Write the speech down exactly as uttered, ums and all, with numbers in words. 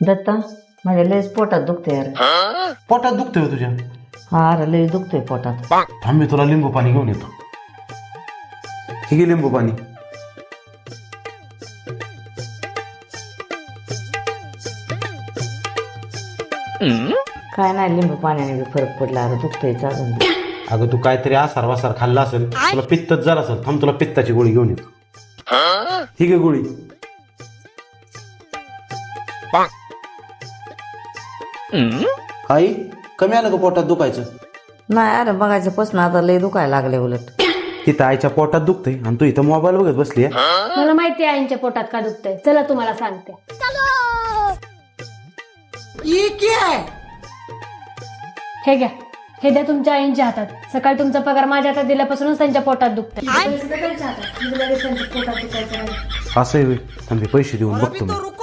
दत्ता माझ्या लयच पोटात दुखते यार. पोटात दुखतोय हो तुझ्या? हा अरे लय दुखतोय पोटात. थांब मी तुला लिंबू पाणी घेऊन येतो. हे घे लिंबू पाणी. काय नाही लिंबू पाण्याने बी फरक पडला अरे दुखतोय अजून. अगं तू काहीतरी आसार वासार खाल्ला असेल, तुला पित्तच जर असेल. थांब तुला पित्ताची गोळी घेऊन येतो. ठीक आहे गोळी. आई कमी आलं का पोटात दुखायचं? नाही अरे बघायचं पासून आता लय दुखायला लागले उलट. तिथं आईच्या पोटात दुखतंय आणि तू इथं मोबाईल बघत बसली. मला माहिती आहे आईच्या पोटात का दुखतंय. चला तुम्हाला सांगते. हे घ्या, हे द्या तुमच्या आईंच्या हातात. सकाळी तुमचा पगार माझ्या हातात दिल्यापासूनच त्यांच्या पोटात दुखतंय. असं आहे होय. थांब हे पैसे देऊन बघतो मी.